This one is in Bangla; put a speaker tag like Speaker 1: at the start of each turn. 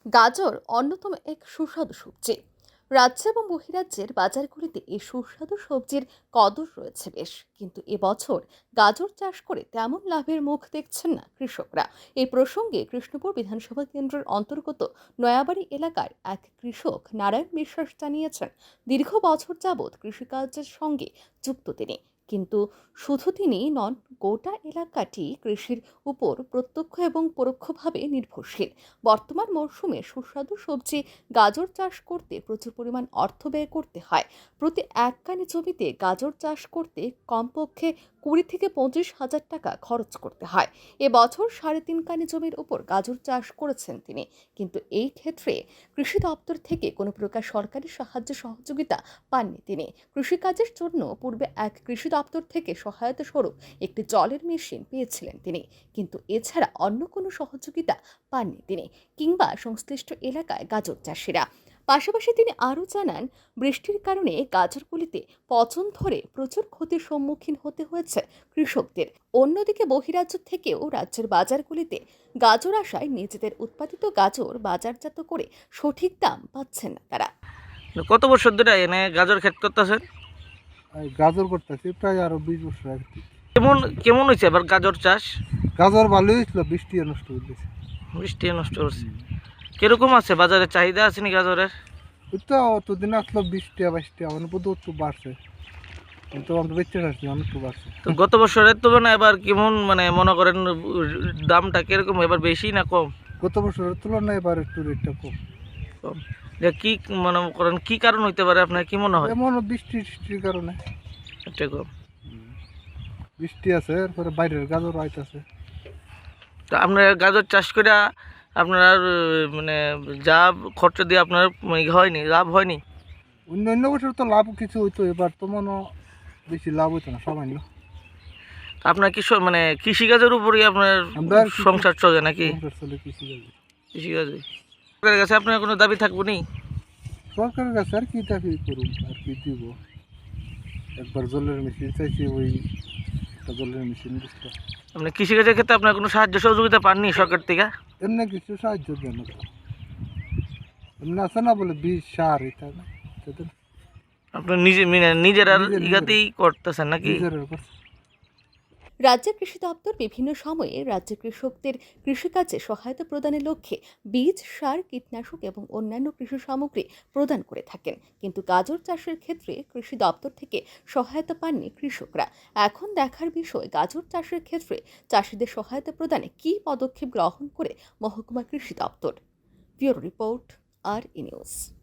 Speaker 1: গাজর অন্যতম এক সুস্বাদু সবজি। রাজ্য এবং বহিরাজ্যের বাজারগুলিতে এই সুস্বাদু সবজির কদর রয়েছে বেশ, কিন্তু এবছর গাজর চাষ করে তেমন লাভের মুখ দেখছেন না কৃষকরা। এই প্রসঙ্গে কৃষ্ণপুর বিধানসভা কেন্দ্রের অন্তর্গত নয়াবাড়ি এলাকার এক কৃষক নারায়ণ বিশ্বাস জানিয়েছেন, দীর্ঘ বছর যাবৎ কৃষিকাজের সঙ্গে যুক্ত তিনি। কিন্তু শুধু তিনি নন, গোটা এলাকাটি কৃষির উপর প্রত্যক্ষ এবং পরোক্ষভাবে নির্ভরশীল। বর্তমান মরশুমে সুস্বাদু সবজি গাজর চাষ করতে প্রচুর পরিমাণ অর্থ ব্যয় করতে হয়। প্রতি এক কানি জমিতে গাজর চাষ করতে কমপক্ষে 20 থেকে 25 হাজার টাকা খরচ করতে হয়। এবছর 3.5 কানি জমির উপর গাজর চাষ করেছেন তিনি, কিন্তু এই ক্ষেত্রে কৃষি দপ্তর থেকে কোনো প্রকার সরকারি সাহায্য সহযোগিতা পাননি তিনি। কৃষিকাজের জন্য পূর্বে এক কৃষি দপ্তর থেকে সহায়তা স্বরূপ একটি জলের মেশিন পেয়েছিলেন তিনি, কিন্তু এছাড়া অন্য কোনো সহযোগিতা পাননি তিনি কিংবা সংশ্লিষ্ট এলাকায় গাজর চাষিরা। পাশাপাশি তিনি আরও জানান, বৃষ্টির কারণে গাজরগুলিতে পচন ধরে প্রচুর ক্ষতির সম্মুখীন হতে হয়েছে কৃষকদের। অন্যদিকে বহিরাজ্য থেকেও রাজ্যের বাজারগুলিতে গাজর আসায় নিজেদের উৎপাদিত গাজর বাজারজাত করে সঠিক দাম পাচ্ছেন না তারা।
Speaker 2: কত বছর ধরে এনে গাজর ক্ষেত করতেছেন?
Speaker 3: গাজর করতেছি প্রায় আরো 20 বছর আগে থেকে।
Speaker 2: কেমন কেমন হয়েছে এবার গাজর চাষ?
Speaker 3: গাজর ভালোই হয়েছিল, বৃষ্টি নষ্ট করে দিয়েছে।
Speaker 2: বৃষ্টি নষ্ট করছে। কিরকম আছে বাজারে চাহিদা আছে নি গাজরের?
Speaker 3: ওই তো অতদিন আসলো 20 টাকা 22 টাকা, মানে বোধ একটু বাড়ছে, কিন্তু আমরা বেঁচে আসছি অনেক একটু বাড়ছে।
Speaker 2: তো গত বছরের তুলনায় এবার কেমন, মানে মনে করেন দামটা কিরকম, এবার বেশি না কম?
Speaker 3: গত বছরের তুলনায় এবার একটু রেটটা কম।
Speaker 2: কম। যে কি মনে করেন কি কারণ হইতে পারে, আপনার কি মনে হয়?
Speaker 3: এমন বৃষ্টির কারণে
Speaker 2: এটা কম।
Speaker 3: বৃষ্টি আছে, এরপরে বাইরের গাজর আইতাছে।
Speaker 2: তো আপনার গাজর চাষ করে আপনার মানে যা খরচ দিয়ে আপনার হয়নি, লাভ হয়নি?
Speaker 3: অন্য বছর তো লাভ কিছু হইতো, এবার তো মনে বেশি লাভ হইতো না, সামান্য।
Speaker 2: আপনার কি মানে কৃষিকাজের উপরই আপনার সংসার চলে নাকি? কৃষিকাজে সরকারের কাছে আপনার কোনো দাবি থাকবো নি?
Speaker 3: সরকারের কাছে আর কি দাবি করুন, আর কি দিব। একবার জলের মেশিন চাইছি, ওই একটা জলের মেশিন দিচ্ছে।
Speaker 2: আপনি কৃষিকাজের ক্ষেত্রে আপনার কোনো সাহায্য সহযোগিতা পাননি সরকার থেকে?
Speaker 3: এমনি কিছু সাহায্য দেন না, এমনি আছে না বলে বীজ সার এটা না,
Speaker 2: আপনি নিজের আর ইগাতেই করতেছেন নাকি?
Speaker 1: রাজ্যের কৃষি দপ্তর বিভিন্ন সময়ে রাজ্যের কৃষকদের কৃষিকাজে সহায়তা প্রদানের লক্ষ্যে বীজ, সার, কীটনাশক এবং অন্যান্য কৃষি সামগ্রী প্রদান করে থাকেন, কিন্তু গাজর চাষের ক্ষেত্রে কৃষি দপ্তর থেকে সহায়তা পাননি কৃষকরা। এখন দেখার বিষয়, গাজর চাষের ক্ষেত্রে চাষিদের সহায়তা প্রদানে কী পদক্ষেপ গ্রহণ করে মহকুমা কৃষি দপ্তর। ব্যুরো রিপোর্ট, আর ই নিউজ।